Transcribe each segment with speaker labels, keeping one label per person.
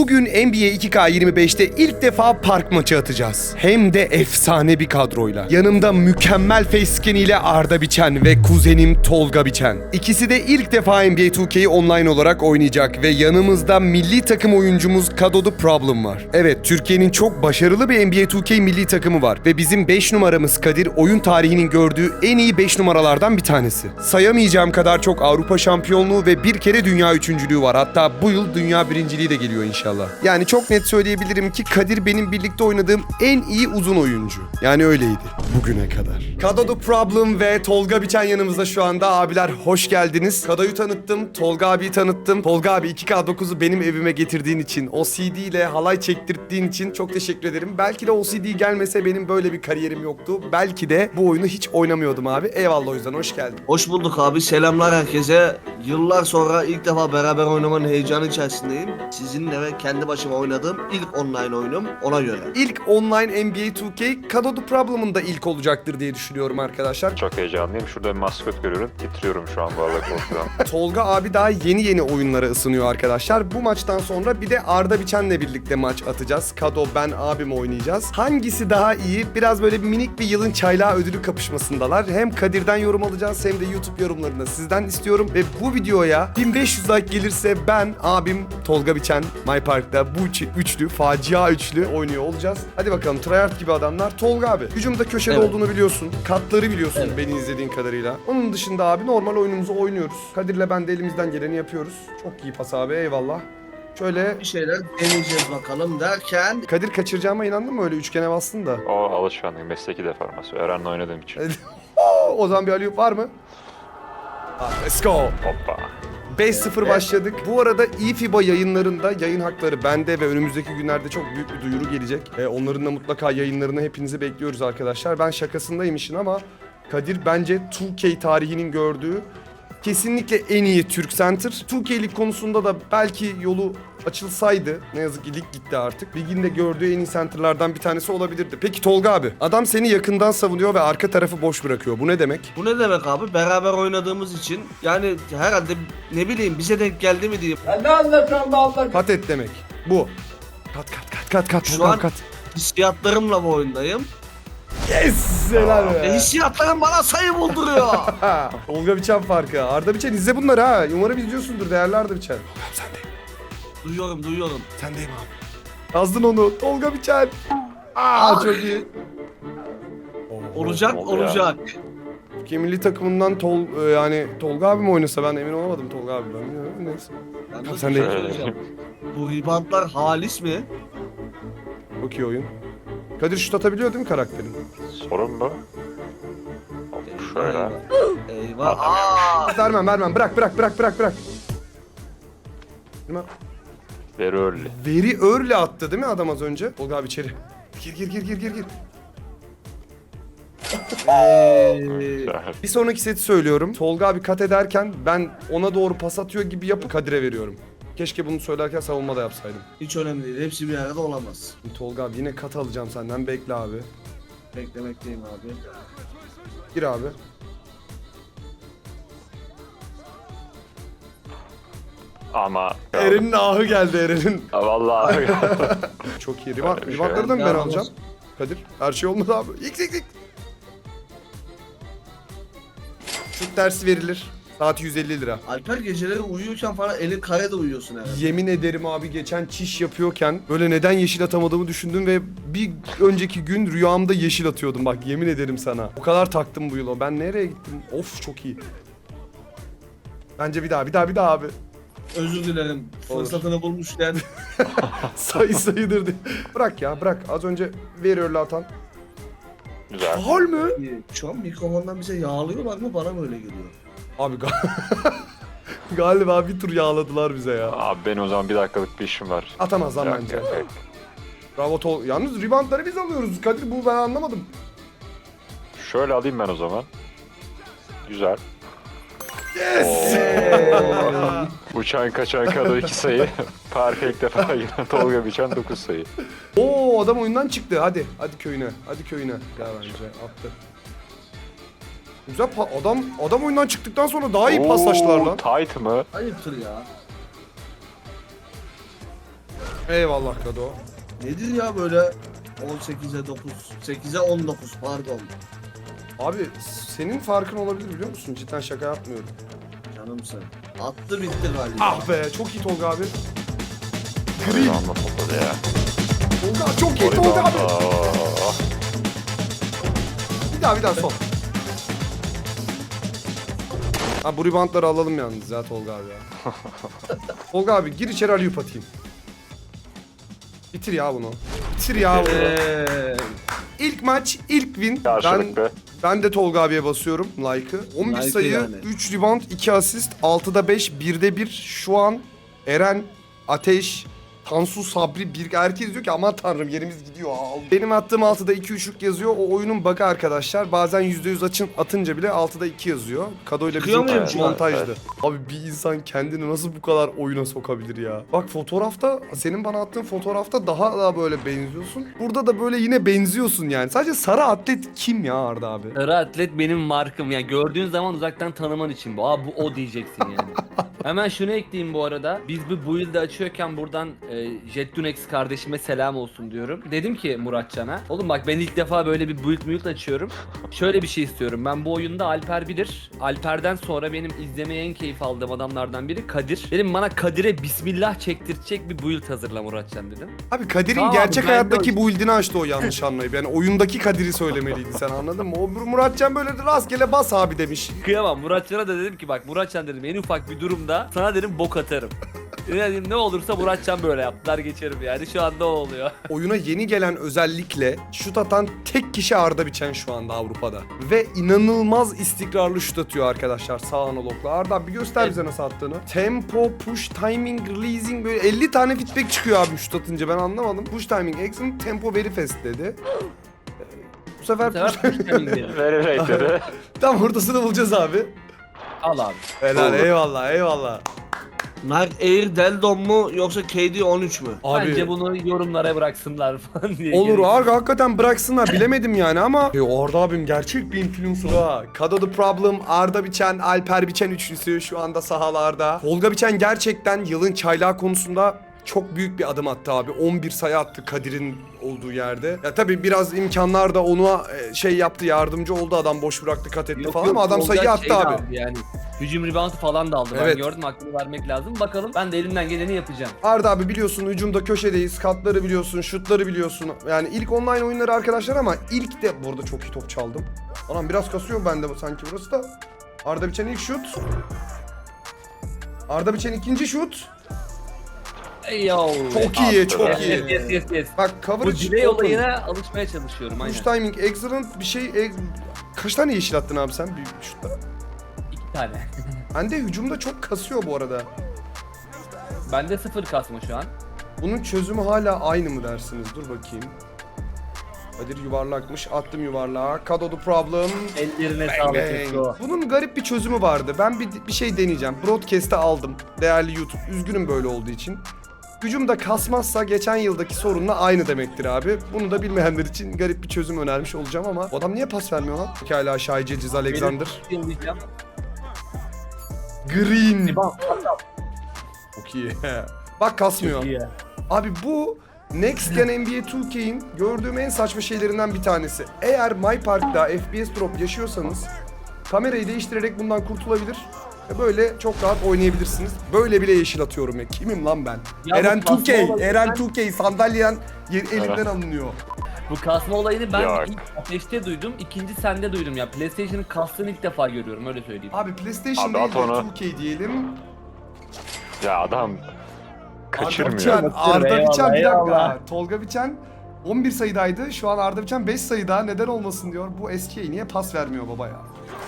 Speaker 1: Bugün NBA 2K25'te ilk defa park maçı atacağız. Hem de efsane bir kadroyla. Yanımda mükemmel facescan ile Arda Biçen ve kuzenim Tolga Biçen. İkisi de ilk defa NBA 2K'yi online olarak oynayacak ve yanımızda milli takım oyuncumuz Kado The Problem var. Evet, Türkiye'nin çok başarılı bir NBA 2K milli takımı var ve bizim 5 numaramız Kadir oyun tarihinin gördüğü en iyi 5 numaralardan bir tanesi. Sayamayacağım kadar çok Avrupa şampiyonluğu ve bir kere dünya üçüncülüğü var. Hatta bu yıl dünya birinciliği de geliyor inşallah. Yani çok net söyleyebilirim ki Kadir benim birlikte oynadığım en iyi uzun oyuncu. Yani öyleydi bugüne kadar. Kado The Problem ve Tolga Biçen yanımızda şu anda. Abiler hoş geldiniz. Kado'yu tanıttım, Tolga abiyi tanıttım. Tolga abi 2K9'u benim evime getirdiğin için, o CD ile halay çektirttiğin için çok teşekkür ederim. Belki de o CD gelmese benim böyle bir kariyerim yoktu. Belki de bu oyunu hiç oynamıyordum abi. Eyvallah, o yüzden hoş geldin.
Speaker 2: Hoş bulduk abi. Selamlar herkese. Yıllar sonra ilk defa beraber oynamanın heyecanı içerisindeyim. Sizinle ve kendi başıma oynadığım ilk online oyunum, ona göre.
Speaker 1: İlk online NBA 2K Kado The Problem'ın da ilk olacaktır diye düşünüyorum arkadaşlar.
Speaker 3: Çok heyecanlıyım. Şurada bir maskot görüyorum. Titriyorum şu an bu arada korkudan.
Speaker 1: Tolga abi daha yeni oyunlara ısınıyor arkadaşlar. Bu maçtan sonra bir de Arda Biçen'le birlikte maç atacağız. Kado, ben, abim oynayacağız. Hangisi daha iyi? Biraz böyle minik bir yılın çaylağı ödülü kapışmasındalar. Hem Kadir'den yorum alacağız hem de YouTube yorumlarını sizden istiyorum. Ve bu videoya 1500 like gelirse ben, abim, Tolga Biçen, My Park'ta bu üçlü, facia üçlü oynuyor olacağız. Hadi bakalım, tryhard gibi adamlar. Tolga abi, hücumda köşede
Speaker 2: Evet.
Speaker 1: olduğunu biliyorsun. Katları biliyorsun,
Speaker 2: Evet.
Speaker 1: beni izlediğin kadarıyla. Onun dışında abi normal oyunumuzu oynuyoruz. Kadir'le ben de elimizden geleni yapıyoruz. Çok iyi pas abi, eyvallah. Şöyle
Speaker 2: Bir şeyler deneyeceğiz bakalım derken...
Speaker 1: Kadir, kaçıracağıma inandın mı, öyle üçgene bastın da?
Speaker 3: O alışkanlık, mesleki deformasyon. Eren'le oynadığım için.
Speaker 1: O zaman bir alley-oop var mı? Let's go.
Speaker 3: Hoppa.
Speaker 1: 5-0 başladık. Bu arada eFIBA yayınlarında yayın hakları bende ve önümüzdeki günlerde çok büyük bir duyuru gelecek. Onların da mutlaka yayınlarını hepinizi bekliyoruz arkadaşlar. Ben şakasındayım işin ama Kadir bence 2K tarihinin gördüğü kesinlikle en iyi Türk center. 2K'lik konusunda da belki yolu açılsaydı, ne yazık ki lig gitti artık, liginde gördüğü en iyi centerlardan bir tanesi olabilirdi. Peki Tolga abi, adam seni yakından savunuyor ve arka tarafı boş bırakıyor. Bu ne demek?
Speaker 2: Bu ne demek abi? Beraber oynadığımız için yani herhalde ne bileyim bize denk geldi mi diyeyim.
Speaker 4: Ya ne anlatıyorsun be Allah?
Speaker 1: Kat et demek. Bu. Kat.
Speaker 2: Şu
Speaker 1: Tolga
Speaker 2: an
Speaker 1: kat.
Speaker 2: hissiyatlarımla bu oyundayım.
Speaker 1: Yes! Helal be.
Speaker 2: Hissiyatlarım bana sayı bulduruyor.
Speaker 1: Tolga Biçen farkı. Arda Biçen, izle bunları ha. Umarım izliyorsundur değerli Arda Biçen. Tolga abi sendeyim.
Speaker 2: Duyuyorum.
Speaker 1: Sendeyim abi. Yazdın onu. Tolga Biçen. Çok iyi.
Speaker 2: Olacak.
Speaker 1: Türkiye milli takımından yani Tolga abi mi oynasa, ben emin olamadım Tolga abi. Ben bilmiyorum, neyse.
Speaker 2: Ben de
Speaker 1: Sen
Speaker 2: bir
Speaker 1: de-
Speaker 2: şey söyleyeceğim. Bu reboundlar halis mi?
Speaker 1: Çok iyi oyun. Kadir şut atabiliyor değil mi karakterin?
Speaker 3: Sorun bu. Hop, şöyle.
Speaker 2: Eyvah. Aa!
Speaker 1: Vermem. Bırak. Vermem.
Speaker 3: Very early.
Speaker 1: Veri early attı değil mi adam az önce? Tolga abi içeri. Gir.
Speaker 3: Güzel.
Speaker 1: Bir sonraki seti söylüyorum. Tolga abi kat ederken ben ona doğru pas atıyor gibi yapıp Kadir'e veriyorum. Keşke bunu söylerken savunma da yapsaydım.
Speaker 2: Hiç önemli değil. Hepsi bir arada olamaz.
Speaker 1: Tolga abi yine kat alacağım senden. Bekle abi.
Speaker 2: Beklemekteyim abi.
Speaker 1: Gir abi.
Speaker 3: Ama...
Speaker 1: Eren'in ahı geldi Eren'in.
Speaker 3: Ha, vallahi.
Speaker 1: Çok iyi.
Speaker 3: Öyle bir şey
Speaker 1: Rivakları da mı ben
Speaker 2: yok.
Speaker 1: alacağım? Kadir, her şey olmadı abi. X. Şut dersi verilir. Saati 150 lira.
Speaker 2: Alper geceleri uyuyorken falan elin karede uyuyorsun herhalde.
Speaker 1: Yemin ederim abi, geçen çiş yapıyorken böyle neden yeşil atamadığımı düşündüm ve bir önceki gün rüyamda yeşil atıyordum, bak yemin ederim sana. O kadar taktım bu yıla. Ben nereye gittim? Of, çok iyi. Bence bir daha abi.
Speaker 2: Özür dilerim.
Speaker 1: Olur.
Speaker 2: Fırsatını bulmuşken.
Speaker 1: Sayıdır diye. Bırak. Az önce veriyorlar atan.
Speaker 3: Güzel.
Speaker 1: Faul mü?
Speaker 2: Şu an mikrofondan bize yağlıyorlar mı? Bana mı öyle geliyor?
Speaker 1: Abi galiba bir tur yağladılar bize ya.
Speaker 3: Abi benim o zaman bir dakikalık bir işim var.
Speaker 1: Atamaz lan
Speaker 3: Yok,
Speaker 1: bence.
Speaker 3: yok.
Speaker 1: Bravo Yalnız reboundları biz alıyoruz. Kadir, bu ben anlamadım.
Speaker 3: Şöyle alayım ben o zaman. Güzel.
Speaker 1: Yes!
Speaker 3: Uçan kaçan kadar 2 sayı. Parka ilk defa giren Tolga Biçen 9 sayı.
Speaker 1: Oo, adam oyundan çıktı. Hadi köyüne. Gel bence attı. Güzel adam oyundan çıktıktan sonra daha iyi paslaştılar lan.
Speaker 3: Tight mı?
Speaker 2: Ayıptır ya.
Speaker 1: Eyvallah Kado.
Speaker 2: Nedir ya böyle 18'e 9, 8'e 19 pardon.
Speaker 1: Abi senin farkın olabilir biliyor musun? Cidden şaka yapmıyorum.
Speaker 2: Canımsın. Attı bitti galiba.
Speaker 1: Ah be çok iyi Tolga abi.
Speaker 3: Rebound'la topladı ya.
Speaker 1: Tolga çok iyi Tolga abi.
Speaker 3: Rebound'la.
Speaker 1: Bir daha son. Ha bu reboundları alalım yalnız ya Tolga abi ya. Tolga abi gir içeri alley-oop atayım. Bitir ya bunu. Bitir ya bunu. İlk maç, ilk win.
Speaker 3: Karşılıklı.
Speaker 1: Ben de Tolga abiye basıyorum like'ı. 11
Speaker 2: Like'ı
Speaker 1: sayı,
Speaker 2: yani.
Speaker 1: 3 rebound, 2 asist, 6'da 5, 1'de 1. Şu an Eren, Ateş, Tansu, Sabri, bir herkes diyor ki aman tanrım yerimiz gidiyor. Benim attığım 6'da 2-3'lük yazıyor. O oyunun bug'ı arkadaşlar. Bazen %100 atınca bile 6'da 2 yazıyor. Kado ile
Speaker 2: Çıkıyor
Speaker 1: bizim
Speaker 2: muyum şu an?
Speaker 1: montajdı.
Speaker 3: Evet.
Speaker 1: Abi bir insan kendini nasıl bu kadar oyuna sokabilir ya? Bak fotoğrafta, senin bana attığın fotoğrafta daha böyle benziyorsun. Burada da böyle yine benziyorsun yani. Sadece sarı atlet kim ya Arda abi?
Speaker 4: Sarı atlet benim markım. Yani gördüğün zaman uzaktan tanıman için bu. Aa bu o diyeceksin yani. Hemen şunu ekleyeyim bu arada. Biz bu build'i açıyorken buradan Jettunex kardeşime selam olsun diyorum. Dedim ki Muratcan'a. Oğlum bak ben ilk defa böyle bir build açıyorum. Şöyle bir şey istiyorum. Ben bu oyunda Alper bilir. Alper'den sonra benim izlemeye en keyif aldığım adamlardan biri Kadir. Dedim bana Kadir'e bismillah çektirecek bir build hazırla Muratcan dedim.
Speaker 1: Abi Kadir'in
Speaker 4: Tamam,
Speaker 1: gerçek
Speaker 4: ben de
Speaker 1: hayattaki build'ini açtı o yanlış anlayıp. Yani oyundaki Kadir'i söylemeliydi sen anladın mı? O Muratcan böyle rastgele bas abi demiş.
Speaker 4: Kıyamam. Muratcan'a da dedim ki bak Muratcan dedim en ufak bir durumda sana dedim bok atarım. Dedim ne olursa Muratcan böyle yaptılar geçerim yani şu anda o oluyor.
Speaker 1: Oyuna yeni gelen özellikle şut atan tek kişi Arda Biçen şu anda Avrupa'da. Ve inanılmaz istikrarlı şut atıyor arkadaşlar sağ analogla. Arda bir göster bize nasıl attığını. Tempo, push, timing, releasing böyle 50 tane feedback çıkıyor abi şut atınca ben anlamadım. Push timing, excellent, tempo very fast dedi. Bu sefer push timing.
Speaker 3: Very rate dedi.
Speaker 1: Tam ortasını bulacağız abi.
Speaker 4: Al abi.
Speaker 1: Helal
Speaker 2: Olur.
Speaker 1: eyvallah.
Speaker 2: Nike Air Deldon mu yoksa KD 13 mü?
Speaker 1: Abi
Speaker 4: Bence bunu yorumlara bıraksınlar falan diye.
Speaker 1: olur
Speaker 4: Gerek-
Speaker 1: abi hakikaten bıraksınlar bilemedim yani ama Arda abim gerçek bir influencer ha. Kado The Problem, Arda Biçen, Alper Biçen üçlüsü şu anda sahalarda. Tolga Biçen gerçekten yılın çaylağı konusunda çok büyük bir adım attı abi. 11 sayı attı Kadir'in olduğu yerde. Ya tabii biraz imkanlar da ona şey yaptı, yardımcı oldu, adam boş bıraktı, kat etti
Speaker 4: Yok,
Speaker 1: falan
Speaker 4: yok,
Speaker 1: ama adam
Speaker 4: Tolga
Speaker 1: sayı attı
Speaker 4: şey de
Speaker 1: abi.
Speaker 4: aldı Yani hücum reboundu falan da aldı.
Speaker 1: Evet.
Speaker 4: Ben gördüm hakkını vermek lazım. Bakalım ben de elimden geleni yapacağım.
Speaker 1: Arda abi biliyorsun hücumda köşedeyiz. Katları biliyorsun, şutları biliyorsun. Yani ilk online oyunları arkadaşlar ama ilk de burada çok iyi top çaldım. Anam biraz kasıyor bende bu sanki burası da. Arda Biçen ilk şut. Arda Biçen ikinci şut.
Speaker 4: Ey yo.
Speaker 1: Çok iyi, çok
Speaker 3: Yes,
Speaker 1: iyi.
Speaker 4: Yes.
Speaker 1: Bak
Speaker 4: Bu
Speaker 1: coverage
Speaker 4: delay
Speaker 1: open.
Speaker 4: olayına alışmaya çalışıyorum
Speaker 1: Push
Speaker 4: aynen.
Speaker 1: timing excellent bir şey. Kaç tane yeşil attın abi sen bir şutta?
Speaker 4: 2 tane.
Speaker 1: Bende hücumda çok kasıyor bu arada.
Speaker 4: Bende 0 kasma şu an.
Speaker 1: Bunun çözümü hala aynı mı dersiniz? Dur bakayım. Kadir yuvarlakmış. Attım yuvarlağa. Kado The Problem.
Speaker 4: Ellerine
Speaker 1: Bang
Speaker 4: sağlık.
Speaker 1: bang.
Speaker 4: Esko.
Speaker 1: Bunun garip bir çözümü vardı. Ben bir şey deneyeceğim. Broadcast'e aldım. Değerli YouTube. Üzgünüm böyle olduğu için. Hücumda kasmazsa geçen yıldaki sorunla aynı demektir abi. Bunu da bilmeyenler için garip bir çözüm önermiş olacağım ama o adam niye pas vermiyor lan? Pekala Shai Gilgeous Alexander.
Speaker 4: Yıllayacağım.
Speaker 1: Green.
Speaker 4: Rebound.
Speaker 1: Çok iyi. Bak kasmıyor.
Speaker 4: İyi.
Speaker 1: Abi bu Next Gen NBA 2K'in gördüğüm en saçma şeylerinden bir tanesi. Eğer My Park'ta FPS drop yaşıyorsanız kamerayı değiştirerek bundan kurtulabilir. Ve böyle çok rahat oynayabilirsiniz. Böyle bile yeşil atıyorum ya. Kimim lan ben?
Speaker 4: Ya
Speaker 1: Eren
Speaker 4: bu kasma
Speaker 1: 2K,
Speaker 4: olayı
Speaker 1: Eren
Speaker 4: ben-
Speaker 1: 2K sandalyen elimden alınıyor.
Speaker 4: Bu kasma olayını ben
Speaker 3: Yok.
Speaker 4: ilk Ateş'te duydum, ikinci sende duydum ya. PlayStation'ın kastığını ilk defa görüyorum öyle söyleyeyim.
Speaker 1: Abi PlayStation
Speaker 3: Abi
Speaker 1: değil
Speaker 3: at
Speaker 1: de
Speaker 3: onu.
Speaker 1: 2K diyelim.
Speaker 3: Ya adam
Speaker 1: Arda
Speaker 3: kaçırmıyor.
Speaker 1: Biçen, Arda
Speaker 4: Eyvallah,
Speaker 1: Biçen bir dakika.
Speaker 4: eyvallah.
Speaker 1: Tolga Biçen 11 sayıdaydı. Şu an Arda Biçen 5 sayıda. Neden olmasın diyor. Bu eskiye niye pas vermiyor baba ya?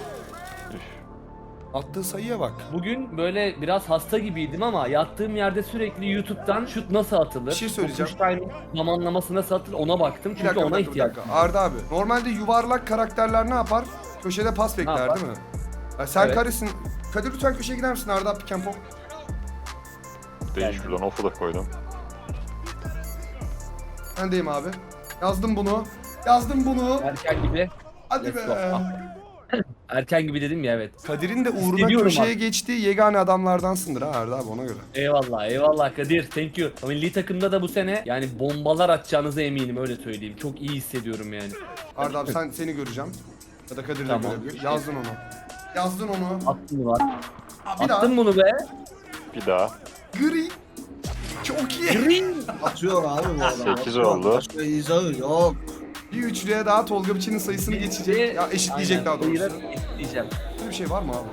Speaker 1: Attığı sayıya bak.
Speaker 4: Bugün böyle biraz hasta gibiydim ama yattığım yerde sürekli YouTube'dan şut nasıl atılır?
Speaker 1: Bir şey söyleyeceğim.
Speaker 4: Push timing zamanlaması nasıl atılır ona baktım
Speaker 1: Bir
Speaker 4: çünkü
Speaker 1: dakika,
Speaker 4: ona
Speaker 1: bir dakika, bir
Speaker 4: ihtiyaç.
Speaker 1: dakika. Arda abi. Normalde yuvarlak karakterler ne yapar? Köşede pas bekler
Speaker 4: yapar?
Speaker 1: değil mi? Ya sen
Speaker 4: Evet.
Speaker 1: karesin. Kadir lütfen köşeye gider misin Arda pick and pop?
Speaker 3: Değil şuradan off'u da koydum.
Speaker 1: Ben deyim abi. Yazdım bunu. Yazdım bunu.
Speaker 4: Erken gibi.
Speaker 1: Hadi
Speaker 4: Let's
Speaker 1: be.
Speaker 4: go. Erken gibi dedim ya, evet.
Speaker 1: Kadir'in de uğruna
Speaker 4: Hissediyorum
Speaker 1: köşeye
Speaker 4: abi.
Speaker 1: geçtiği yegane adamlardansındır ha Arda abi, ona göre.
Speaker 4: Eyvallah eyvallah Kadir, thank you. Milli takımda da bu sene yani bombalar atacağınıza eminim, öyle söyleyeyim. Çok iyi hissediyorum yani.
Speaker 1: Arda abi seni göreceğim. Ya da Kadir de
Speaker 4: Tamam.
Speaker 1: görebilir. Yazdın onu. Yazdın onu.
Speaker 4: Attın mı var?
Speaker 1: Bir daha.
Speaker 4: Attın bunu be.
Speaker 3: Bir daha.
Speaker 1: Gri. Çok iyi.
Speaker 2: Atıyor abi bu adam.
Speaker 3: 8
Speaker 2: atıyor.
Speaker 3: oldu.
Speaker 2: Başka izahı yok.
Speaker 1: Bir üçlüye daha Tolga Biçen'in sayısını geçecek. Ya eşitleyecek
Speaker 4: Aynen,
Speaker 1: daha doğrusu.
Speaker 4: sayılar eşitleyeceğim.
Speaker 1: Böyle bir şey var mı abi?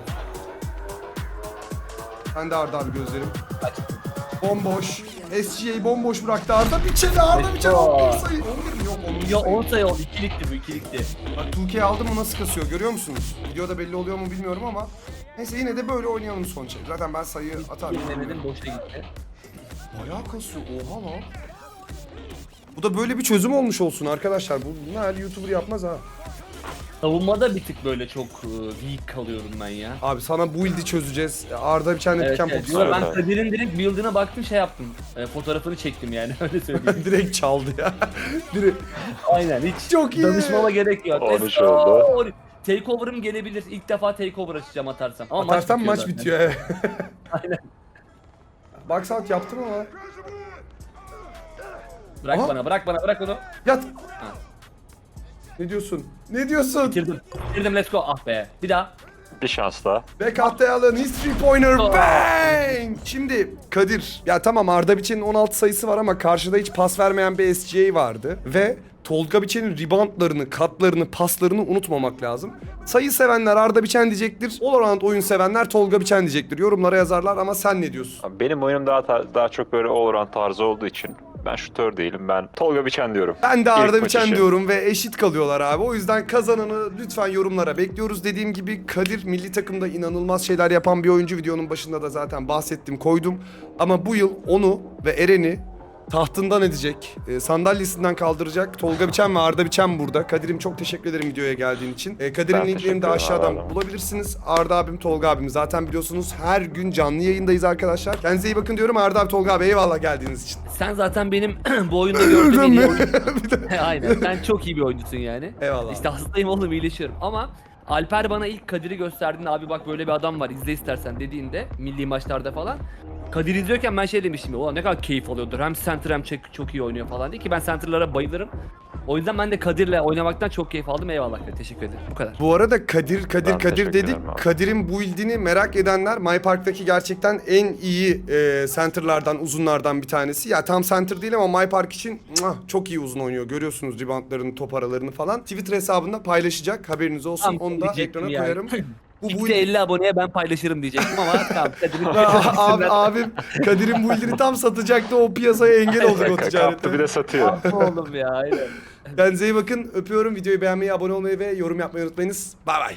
Speaker 1: Ben de Arda abi gözlerim. Bomboş. SGA'yı bomboş bıraktı Arda Biçen'i. Arda Biçen 11 sayı. 11 mi? Yok 10
Speaker 4: Ya
Speaker 1: sayı.
Speaker 4: 10 sayı oldu, ikilikti bu, ikilikti.
Speaker 1: Bak 2K aldım mı nasıl kasıyor görüyor musunuz? Videoda belli oluyor mu bilmiyorum ama. Neyse yine de böyle oynayalım sonuçta. Zaten ben sayıyı atarım.
Speaker 4: Denedim, boşa gitti.
Speaker 1: Bayağı kasıyor. Oha lan. Bu da böyle bir çözüm olmuş olsun arkadaşlar. Bunu her YouTuber yapmaz ha.
Speaker 4: Savunmada bir tık böyle çok weak kalıyorum ben ya.
Speaker 1: Abi sana bu build'i çözeceğiz. Arda Biçen'le
Speaker 4: Evet,
Speaker 1: diken
Speaker 4: evet.
Speaker 1: popu
Speaker 4: Yo,
Speaker 3: Evet,
Speaker 4: ben
Speaker 3: evet.
Speaker 4: Kadir'in direkt build'ine baktım, şey yaptım. Fotoğrafını çektim yani, öyle söyleyeyim.
Speaker 1: direkt çaldı ya. Direkt.
Speaker 4: Aynen, hiç
Speaker 1: Çok iyi.
Speaker 4: danışmama gerek yok.
Speaker 3: 13
Speaker 4: Let's go.
Speaker 3: oldu.
Speaker 4: Takeover'ım gelebilir. İlk defa takeover açacağım atarsam. Ama
Speaker 1: Atarsan maç
Speaker 4: zaten.
Speaker 1: bitiyor evet.
Speaker 4: Aynen.
Speaker 1: Box out yaptım ama.
Speaker 4: Bırak
Speaker 1: Aha.
Speaker 4: bana, bırak onu.
Speaker 1: Yat. Ne diyorsun? Ne diyorsun?
Speaker 4: Bitirdim, let's go. Ah be. Bir daha.
Speaker 3: Bir şans daha.
Speaker 1: Bekatte Allen, his 3-pointer,
Speaker 4: Oh.
Speaker 1: bang! Şimdi Kadir, ya tamam Arda Biçen'in 16 sayısı var ama karşıda hiç pas vermeyen bir SGA vardı. Ve Tolga Biçen'in reboundlarını, katlarını, paslarını unutmamak lazım. Sayı sevenler Arda Biçen diyecektir, all around oyun sevenler Tolga Biçen diyecektir. Yorumlara yazarlar ama sen ne diyorsun?
Speaker 3: Abi benim oyunum daha çok böyle all around tarzı olduğu için ben şutör değilim. Ben Tolga Biçen diyorum.
Speaker 1: Ben de
Speaker 3: İlk
Speaker 1: Arda
Speaker 3: maç
Speaker 1: Biçen
Speaker 3: için.
Speaker 1: diyorum ve eşit kalıyorlar abi. O yüzden kazananı lütfen yorumlara bekliyoruz. Dediğim gibi Kadir milli takımda inanılmaz şeyler yapan bir oyuncu. Videonun başında da zaten bahsettim, koydum. Ama bu yıl onu ve Eren'i tahtından edecek, sandalyesinden kaldıracak Tolga Biçen ve Arda Biçen burada. Kadir'im çok teşekkür ederim videoya geldiğin için. Kadir'in
Speaker 3: Ben
Speaker 1: linklerini
Speaker 3: teşekkür
Speaker 1: de
Speaker 3: ederim
Speaker 1: aşağıdan
Speaker 3: Arda abi.
Speaker 1: bulabilirsiniz. Arda abim, Tolga abim zaten biliyorsunuz her gün canlı yayındayız arkadaşlar. Kendinize iyi bakın diyorum. Arda abi, Tolga abi eyvallah geldiğiniz için.
Speaker 4: Sen zaten benim bu oyunda gördüğüm en iyi
Speaker 1: mi?
Speaker 4: oyuncusun. Aynen. Sen çok iyi bir oyuncusun yani.
Speaker 1: Eyvallah.
Speaker 4: İşte hastayım oğlum, iyileşiyorum. Ama Alper bana ilk Kadir'i gösterdiğinde, abi bak böyle bir adam var, izle istersen dediğinde, milli maçlarda falan. Kadir izliyorken ben şey demiştim ya, ulan ne kadar keyif alıyordur. Hem center hem çok iyi oynuyor falan diye, ki ben center'lara bayılırım. O yüzden ben de Kadir'le oynamaktan çok keyif aldım. Eyvallah, teşekkür ederim. Bu kadar.
Speaker 1: Bu arada Kadir
Speaker 3: Ben teşekkür
Speaker 1: dedik.
Speaker 3: ederim abi.
Speaker 1: Kadir'in build'ini merak edenler My Park'taki gerçekten en iyi center'lardan, uzunlardan bir tanesi. Ya tam center değil ama My Park için çok iyi uzun oynuyor. Görüyorsunuz reboundlarını, top aralarını falan. Twitter hesabında paylaşacak. Haberiniz olsun.
Speaker 4: Tam
Speaker 1: Onu da
Speaker 4: diyecektim
Speaker 1: ekrana
Speaker 4: yani.
Speaker 1: koyarım. Bu
Speaker 4: İlk
Speaker 1: build...
Speaker 4: de 50 aboneye ben paylaşırım diyecektim ama tamam, Kadir'in
Speaker 1: abim Kadir'in build'ini tam satacaktı. O piyasaya engel olduk o
Speaker 3: Kaptı bir
Speaker 1: ticarette.
Speaker 3: de satıyor.
Speaker 4: oğlum ya, aynen.
Speaker 1: Kendinize iyi bakın. Öpüyorum. Videoyu beğenmeyi, abone olmayı ve yorum yapmayı unutmayınız. Bay bay.